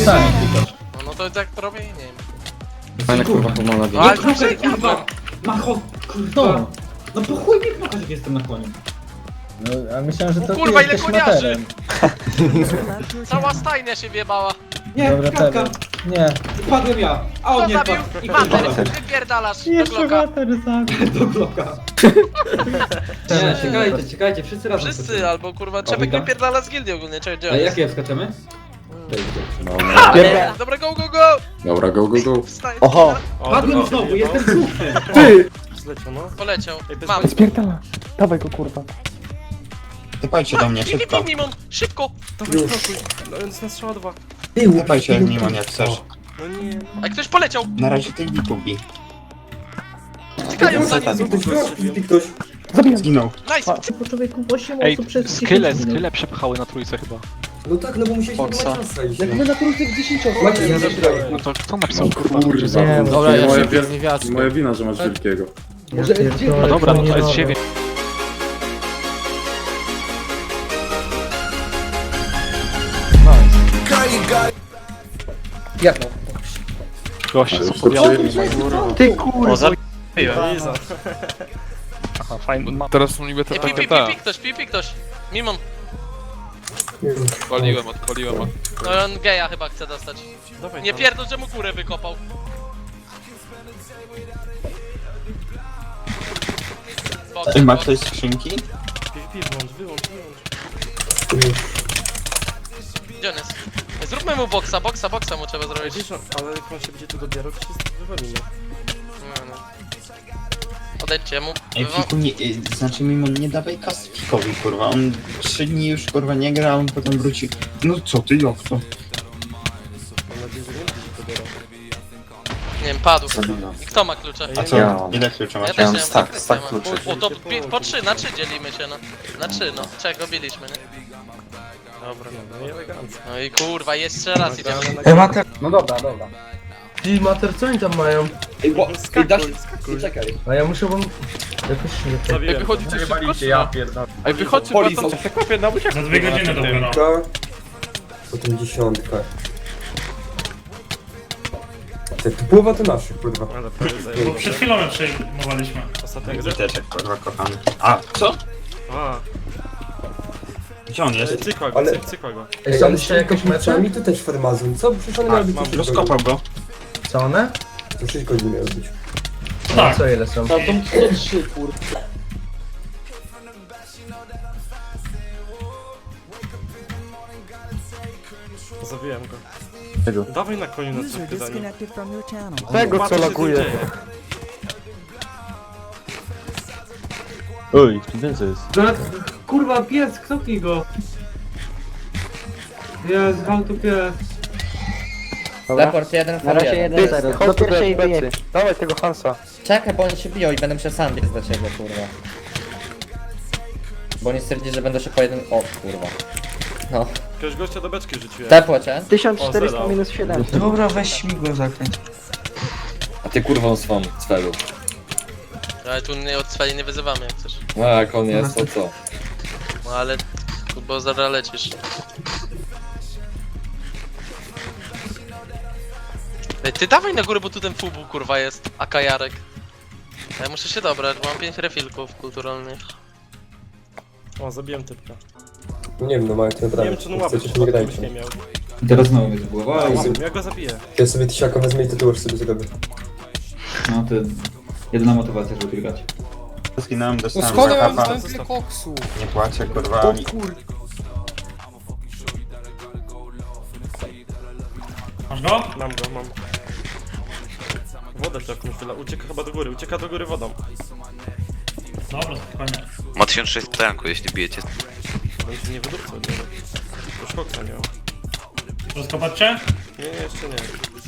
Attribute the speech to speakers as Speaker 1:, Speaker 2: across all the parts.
Speaker 1: sami klikasz.
Speaker 2: No to tak robię i nie wiem.
Speaker 3: Fajna kurwa pomona.
Speaker 2: No ale
Speaker 1: Proszę,
Speaker 2: to
Speaker 1: kurwa! Macho, kurwa! No po chuj mnie knokasz, jak jestem na koniu.
Speaker 4: No, a myślałem, że to
Speaker 2: kurwa,
Speaker 4: ty
Speaker 2: ile
Speaker 4: jesteś
Speaker 2: koniarzy!
Speaker 4: materem.
Speaker 2: Cała stajnia się wjebała.
Speaker 1: Nie,
Speaker 4: Dobra,
Speaker 1: kratka!
Speaker 4: Tebe. Nie.
Speaker 1: Padłem ja! A on
Speaker 2: Kto
Speaker 1: nie
Speaker 2: zabił?
Speaker 1: padł. I
Speaker 2: Mater,
Speaker 1: padłem.
Speaker 2: wypierdalasz do
Speaker 4: Jeszcze
Speaker 2: Glocka.
Speaker 4: mater zabił.
Speaker 1: Do bloka. Nie, czekajcie, wszyscy razem.
Speaker 2: Wszyscy, albo kurwa, Czepek
Speaker 1: witam.
Speaker 2: wypierdala z gildii ogólnie, czekaj, gdzie on
Speaker 1: A
Speaker 2: jest?
Speaker 1: jakie wskaczemy?
Speaker 2: Dobra, go, go, go!
Speaker 3: Dobra, go, go, go.
Speaker 2: Wstań.
Speaker 5: Oho.
Speaker 1: Padłem znowu, jestem brudny!
Speaker 6: Zleciał, no.
Speaker 2: Poleciał. Mam.
Speaker 5: Spierdala. Dawaj go, kurwa.
Speaker 7: Typajcie do mnie, szybko.
Speaker 2: Ping, Mimon, szybko!
Speaker 6: Dawaj, spokój. No, jest na strzała 2.
Speaker 7: Typajcie mimo jak chcesz.
Speaker 6: No nie, no.
Speaker 2: A ktoś poleciał!
Speaker 7: Na razie tych bikubi.
Speaker 2: Tykają za nim!
Speaker 7: Zginął.
Speaker 2: Nice!
Speaker 4: Po człowieku 8
Speaker 8: Ej,
Speaker 4: osób przez 10
Speaker 8: skyle
Speaker 4: minut.
Speaker 8: przepchały na trójce chyba.
Speaker 9: No tak, no bo musieliśmy
Speaker 8: Boxa.
Speaker 9: chyba czas zejść.
Speaker 4: Jak my na trójce 10 osób.
Speaker 9: Macie, ja
Speaker 8: No to kto napisał kurwa?
Speaker 3: Kurwa,
Speaker 4: Nie,
Speaker 3: to
Speaker 4: dobra,
Speaker 3: jest
Speaker 4: ja
Speaker 3: moja,
Speaker 4: się
Speaker 3: moja wina, że masz wielkiego.
Speaker 4: Może
Speaker 8: No dobra, no to jest 9.
Speaker 9: Jak no?
Speaker 8: Goście są
Speaker 3: To
Speaker 8: podjazdy.
Speaker 5: Ty kurwa.
Speaker 8: Aha, fajny.
Speaker 10: Teraz są niby
Speaker 2: Pi, pi ktoś. Mimon.
Speaker 10: odpaliłem.
Speaker 2: No on geja chyba chce dostać.
Speaker 6: Dawaj
Speaker 2: Nie
Speaker 6: tam.
Speaker 2: pierdol, że mu górę wykopał. Box,
Speaker 7: Ej, ma
Speaker 2: box.
Speaker 7: ktoś skrzynki?
Speaker 6: PvP wyłącz.
Speaker 2: Gdzie on jest? Zróbmy mu boksa mu trzeba zrobić.
Speaker 6: Wiesz, ale jak on się będzie tu dobierał, to się wywalimy.
Speaker 2: No. Odejdźcie mu.
Speaker 7: Ej, Fiku, nie, znaczy mimo nie dawaj kas Fikowi, kurwa. On 3 dni już, kurwa, nie gra, a on potem wróci. No co ty, jak to?
Speaker 6: Mam nadzieję, że nie będzie się dobierał.
Speaker 2: Nie wiem, padł. I kto ma klucze?
Speaker 7: A co?
Speaker 3: Ja mam.
Speaker 7: Ile kluczy
Speaker 2: Ja
Speaker 7: masz?
Speaker 2: też nie mam.
Speaker 3: stack kluczy.
Speaker 2: O, to po 3, na 3 dzielimy się, no. Na 3, no. Czego biliśmy, nie?
Speaker 6: Dobra, no i elegancko.
Speaker 2: No i kurwa, jeszcze raz idziemy.
Speaker 9: Ej, Mater!
Speaker 4: No dobra, dobra.
Speaker 9: Ty, Mater, co oni tam mają? Ej, bo... Ej, da się...
Speaker 6: Skakuj.
Speaker 9: Czekaj. A ja muszę wam... Jakoś...
Speaker 6: Zabiłem.
Speaker 10: Wychodzicie szybko, czy
Speaker 1: ja
Speaker 10: no?
Speaker 1: pierdolę.
Speaker 10: Ej, wychodźcie,
Speaker 9: Polis,
Speaker 10: bo tam...
Speaker 6: Za 2 godziny dopiero.
Speaker 9: Potem 10. Ty połowa to naszych, kurwa.
Speaker 6: Ale prawie zajęło.
Speaker 11: Przed chwilą przejmowaliśmy.
Speaker 6: Ostatniego
Speaker 7: Witeczek, kurwa, kochany. A, co?
Speaker 6: A,
Speaker 7: Gdzie on jest?
Speaker 6: cykła go,
Speaker 9: Ale-
Speaker 6: cykła go.
Speaker 9: Ej, ale jeszcze jakoś mecze? Mi to też farmazon. Co? Przecież one miały być...
Speaker 6: mam.
Speaker 7: Rozkopał go.
Speaker 9: Co one? To 6 godzin miały być.
Speaker 11: Tak.
Speaker 9: Co ile są?
Speaker 6: Zabiłem go. Dawaj na koniu na cykły za nim.
Speaker 5: Tego co laguje.
Speaker 8: Oj, więcej jest.
Speaker 1: Kurwa, pies, knoknij go! Jest, gwałt tu pies.
Speaker 4: Raport 1
Speaker 5: Na razie 1-0. Do pierwszej plecy. Dawaj tego Hansa.
Speaker 4: Czekaj, bo oni się biją i będę musiał sam biec do ciebie, kurwa. Bo oni stwierdzili, że będą się po jednym... O, kurwa. No.
Speaker 6: Jakiegoś gościa do beczki rzuciłem.
Speaker 4: Tepło cię?
Speaker 5: 1400 minus 7.
Speaker 9: Dobra, weź śmigło zakręć.
Speaker 3: A ty kurwą swą, cwelu.
Speaker 2: Ale tu nie od cweli nie wyzywamy jak chcesz.
Speaker 3: No jak on jest, to co?
Speaker 2: No ale... Bo zaraz lecisz. Ej, ty dawaj na górę, bo tu ten fubu kurwa jest. A kajarek. Ja muszę się dobrać, bo mam 5 refilków kulturalnych.
Speaker 6: O, zabiłem typka.
Speaker 9: Nie wiem, no mają to
Speaker 6: Nie
Speaker 9: naprawdę.
Speaker 6: wiem, czy on łapy
Speaker 9: Chcecie, nie grajcie.
Speaker 6: nie miał.
Speaker 1: Teraz znowu mnie zgłowa
Speaker 6: Ja go zabiję.
Speaker 9: Ja sobie tysiaka wezmę i tatuaż sobie zrobię.
Speaker 1: No to... Jedyna motywacja, żeby tu grać.
Speaker 7: Zginąłem,
Speaker 9: No
Speaker 7: dostałem
Speaker 9: skąd ja mam
Speaker 7: zakapa.
Speaker 9: dostałem tyle koksu?
Speaker 7: Nie płaczę, kurwa.
Speaker 9: O kur...
Speaker 11: Masz go?
Speaker 6: Mam go, mam. Wodę to jakąś tyle. Ucieka chyba do góry, ucieka do góry wodą.
Speaker 11: Dobra, spokojnie.
Speaker 3: Ma 1600 tanku, jeśli bijecie.
Speaker 6: Będzie nie wydupcał od niego. Już koksa miał.
Speaker 11: Rozkopać cię?
Speaker 6: Nie, jeszcze nie.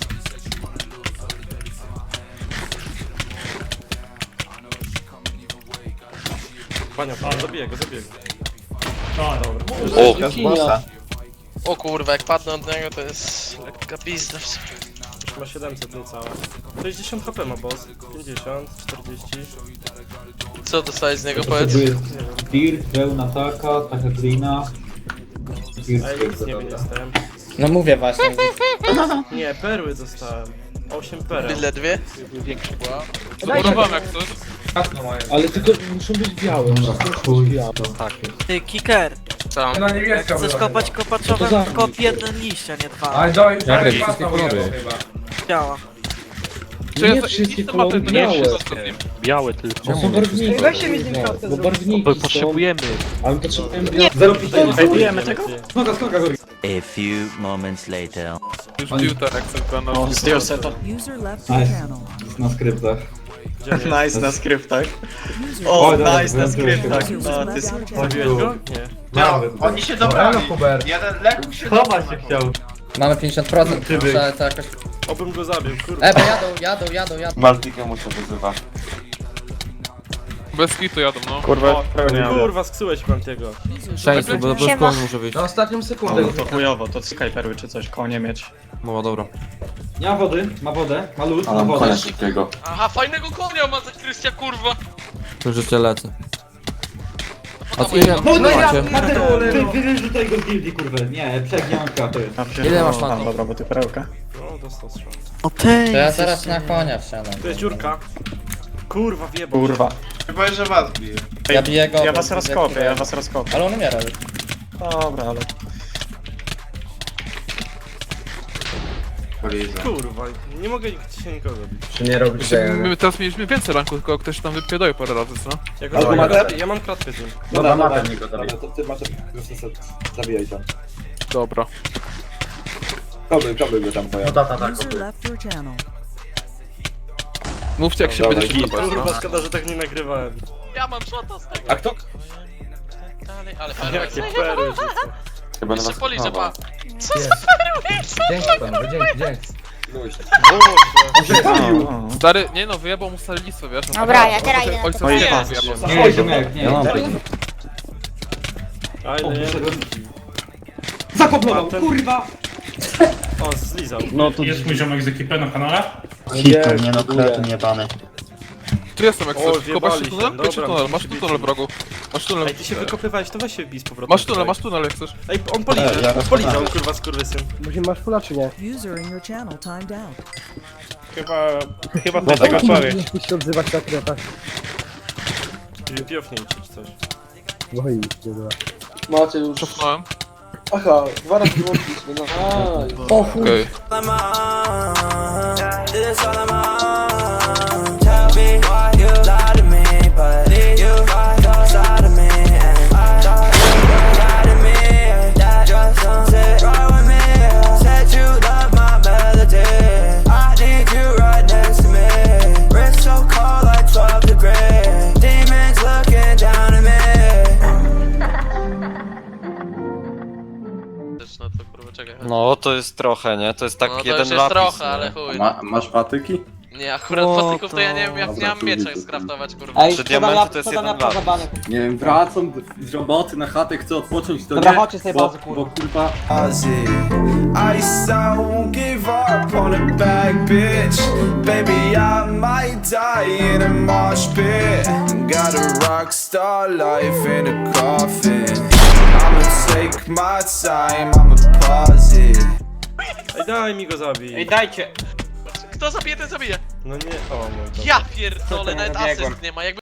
Speaker 6: Pania, zabiję go.
Speaker 11: Dobra.
Speaker 3: O!
Speaker 2: O kurwa, jak padnę od niego to jest lekka pizda.
Speaker 6: Już ma 700 niecałe. 60 HP ma boss. 50, 40.
Speaker 2: Co dostałeś z niego, powiedz?
Speaker 1: Potrzebuję Dirt, pełna taka glina.
Speaker 6: A ja nic nie wiem, jestem.
Speaker 4: No mówię właśnie.
Speaker 6: Nie, perły dostałem. 8 pereł.
Speaker 2: Byle dwie.
Speaker 8: Większy była.
Speaker 11: Zaburowałem jak coś.
Speaker 1: Ale tylko muszą być białe.
Speaker 10: Ty, kicker,
Speaker 2: Co?
Speaker 10: jak chcesz kopać kopaczowem, kop jeden liść, a nie dwa.
Speaker 9: Ale doj,
Speaker 8: Jarek, wszystkie kolory.
Speaker 10: Działa.
Speaker 1: Nie wszystkie kolory białe.
Speaker 8: Białe tylko.
Speaker 1: To są barwniki. Bo barwniki
Speaker 8: Bo
Speaker 1: są,
Speaker 8: potrzebujemy.
Speaker 1: ale potrzebujemy białe. 0,5.
Speaker 6: Ej, bijemy tego?
Speaker 1: Skoka, skoka, Gori.
Speaker 12: A few moments later.
Speaker 11: Już bił ten Excel na
Speaker 6: Zdjął seta.
Speaker 1: Nice. Na skryptach.
Speaker 9: Nice na skryptach.
Speaker 1: O, nice na skryptach.
Speaker 6: Zabiłeś go? Nie.
Speaker 9: Oni się dobrali. Jeden lekko się chować się chciał.
Speaker 4: Mamy 50%, muszę to jakoś...
Speaker 6: Obym go zabił, kurwa.
Speaker 4: Bo jadą.
Speaker 9: Maltika mu się wyzywa.
Speaker 11: Bez kitu jadą, no.
Speaker 9: Kurwa,
Speaker 6: Kurwa, sksyłeś Mantiego.
Speaker 8: Szczęście, bo bez koło muszę wyjść.
Speaker 9: na ostatnią sekundę.
Speaker 6: To chujowo, to skyperły czy coś, koło nie mieć.
Speaker 8: No dobra.
Speaker 1: Nie ma wody, ma wodę, ma lód, ma wodę.
Speaker 9: szybkiego.
Speaker 2: Aha, fajnego konia ma za Krystia, kurwa.
Speaker 8: To życie lecę. A co
Speaker 2: ile-
Speaker 1: No ja,
Speaker 8: macie?
Speaker 1: wyrzucaj go z gildii, kurwa. Nie, przegiąka to jest.
Speaker 8: Ile masz fanów?
Speaker 6: Dobra, bo ty perełka. No, dostał strzał.
Speaker 10: O tej,
Speaker 4: To ja zaraz na konia wsiadam.
Speaker 6: Tu jest dziurka. Kurwa, wjebał.
Speaker 9: Kurwa. Chyba, że was bije.
Speaker 4: Ja biję go.
Speaker 6: Ja was rozkopię.
Speaker 4: Ale on umiera.
Speaker 6: Dobra, ale... Kurwa, nie mogę się nikogo bić.
Speaker 9: Czy nie robisz tego?
Speaker 11: My teraz mieliśmy więcej ranku, tylko ktoś tam wypierdolił parę razy, co?
Speaker 6: Ja mam kratkę z nim.
Speaker 9: Dobra, mamy niego zabić.
Speaker 3: to ty masz zabijaj tam.
Speaker 11: Dobra.
Speaker 3: Koby go tam
Speaker 9: No tak.
Speaker 11: Mówcie jak się
Speaker 3: Dobra,
Speaker 11: będziecie
Speaker 3: git.
Speaker 11: podobać, no.
Speaker 6: Kurwa, szkoda, że tak nie nagrywałem.
Speaker 2: Ja mam szota z tego.
Speaker 3: A kto?
Speaker 2: Dalej, ale perły.
Speaker 6: Jakie perły rzucę.
Speaker 3: Chyba
Speaker 2: Jeszcze policzę, pa. Co
Speaker 9: Jest.
Speaker 2: za perły?
Speaker 9: Dzięki panowie, dzięki.
Speaker 11: Stary, nie no, wyjebał mu stare listwo, wiesz? No,
Speaker 13: Dobra, ja teraz idę na
Speaker 11: ojca
Speaker 13: to.
Speaker 11: nie
Speaker 2: Nie.
Speaker 11: wyjebał.
Speaker 1: Nie, ziomek, nie.
Speaker 6: A ile nie?
Speaker 1: Zakoplował,
Speaker 6: A ten-
Speaker 1: kurwa!
Speaker 6: O, zlizał.
Speaker 11: Jest mój ziomek z ekipy na kanale?
Speaker 7: Hito, nie no, kretyn jebany.
Speaker 11: Tu jestem jak
Speaker 6: O,
Speaker 11: chcesz, tylko masz
Speaker 6: wjebali
Speaker 11: tunel?
Speaker 6: się,
Speaker 11: Chodź
Speaker 6: dobra,
Speaker 11: tunel, masz
Speaker 6: musi
Speaker 11: tu
Speaker 6: być.
Speaker 11: tunel wrogu. Masz tunel.
Speaker 6: Ej, ty się wykopywałeś, to weź się wbij z powrotem.
Speaker 11: Masz tunel jak chcesz.
Speaker 6: Ej, on policzał,
Speaker 7: ja
Speaker 6: polizał,
Speaker 7: rozpoznałem.
Speaker 6: kurwa, skurwysyn.
Speaker 9: Masz fula czy nie?
Speaker 6: Chyba do tego człowiek.
Speaker 9: Nie chcesz się odzywać na kretach.
Speaker 6: Piofnij czy coś.
Speaker 9: No i dobra.
Speaker 3: Macie już.
Speaker 11: Cofnąłem.
Speaker 3: Aha, 2 razy wyłączyliśmy, no.
Speaker 11: Okej.
Speaker 2: No to kurwa, czekaj.
Speaker 3: No, to jest trochę, nie? To jest tak
Speaker 2: No to
Speaker 3: jeden
Speaker 2: już jest
Speaker 3: lapis.
Speaker 2: trochę,
Speaker 3: nie?
Speaker 2: ale chuj.
Speaker 9: Masz patyki?
Speaker 2: Nie, akurat patyków to ja nie wiem jak nie mam miecza skraftować, kurwa.
Speaker 3: Ej, Przy diamenty to jest jeden lapis.
Speaker 9: Nie wiem, wracam z roboty na chatę, chcę odpocząć, to
Speaker 1: Dobra,
Speaker 9: nie,
Speaker 1: chodźcie z tej bazy,
Speaker 9: bo kurwa...
Speaker 12: I won't give up on a bad bitch. Baby, I might die in a mosh pit. Got a rock star life in a coffin. I'ma take my time, I'ma pause it.
Speaker 6: Ej, daj mi go zabij.
Speaker 1: Ej, dajcie!
Speaker 2: Kto zabije, ten zabije.
Speaker 6: No nie, o mój Boże.
Speaker 2: Ja pierdolę, nawet asyst nie ma, jakby...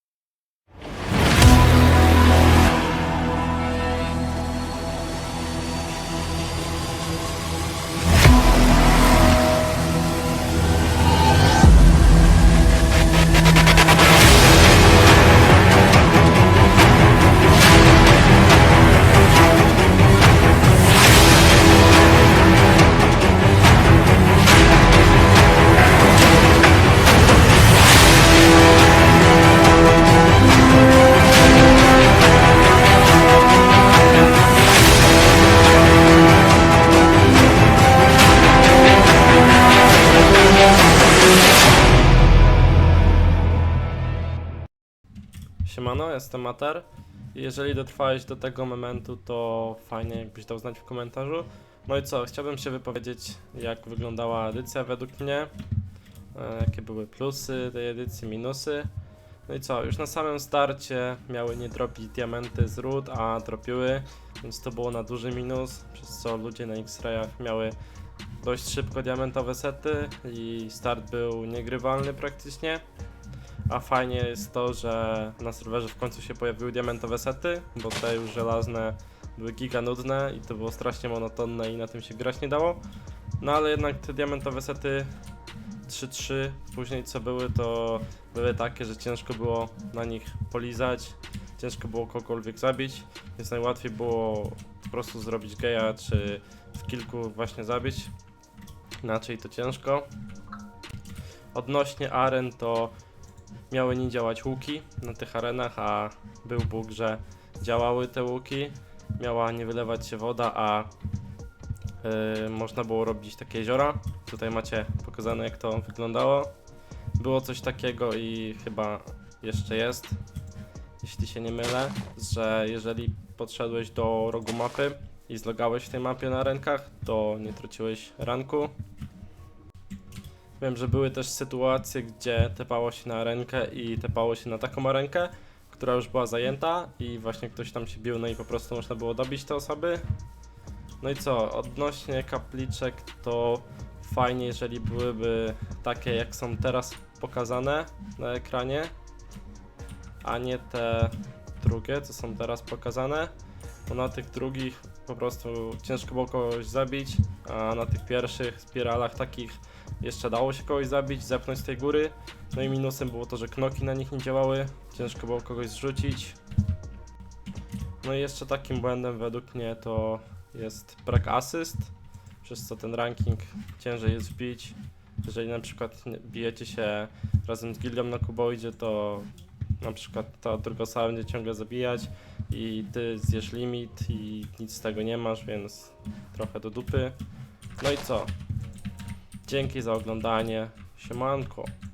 Speaker 6: Siemano, jestem Mater. Jeżeli dotrwałeś do tego momentu, to fajnie jakbyś dał znać w komentarzu. No i co, chciałbym się wypowiedzieć, jak wyglądała edycja według mnie. Jakie były plusy tej edycji, minusy. No i co, już na samym starcie miały nie dropić diamenty z ród, a dropiły, więc to było na duży minus, przez co ludzie na X-Rayach miały dość szybko diamentowe sety i start był niegrywalny praktycznie. A fajnie jest to, że na serwerze w końcu się pojawiły diamentowe sety, bo te już żelazne były giga nudne i to było strasznie monotonne i na tym się grać nie dało. No ale jednak te diamentowe sety 3-3 później co były, to były takie, że ciężko było na nich polizać, ciężko było kogokolwiek zabić, więc najłatwiej było po prostu zrobić geja, czy w kilku właśnie zabić, inaczej to ciężko. Odnośnie aren to miały nie działać łuki na tych arenach, a był bóg, że działały te łuki, miała nie wylewać się woda, a można było robić takie jeziora. Tutaj macie pokazane, jak to wyglądało. Było coś takiego i chyba jeszcze jest, jeśli się nie mylę, że jeżeli podszedłeś do rogu mapy i zlogałeś w tej mapie na arenkach, to nie traciłeś ranku. Wiem, że były też sytuacje, gdzie tepało się na arenkę i tepało się na taką arenkę, która już była zajęta i właśnie ktoś tam się bił, no i po prostu można było dobić te osoby. No i co, odnośnie kapliczek to fajnie, jeżeli byłyby takie, jak są teraz pokazane na ekranie, a nie te drugie, co są teraz pokazane, bo na tych drugich po prostu ciężko było kogoś zabić, a na tych pierwszych spiralach takich jeszcze dało się kogoś zabić, zepchnąć z tej góry. No i minusem było to, że knoki na nich nie działały, ciężko było kogoś zrzucić. No i jeszcze takim błędem według mnie to jest brak asyst, przez co ten ranking ciężej jest wbić. Jeżeli na przykład bijecie się razem z gildią na kuboidzie, to na przykład ta druga osoba będzie ciągle zabijać i ty zjesz limit i nic z tego nie masz, więc trochę do dupy. No i co? Dzięki za oglądanie. Siemanko.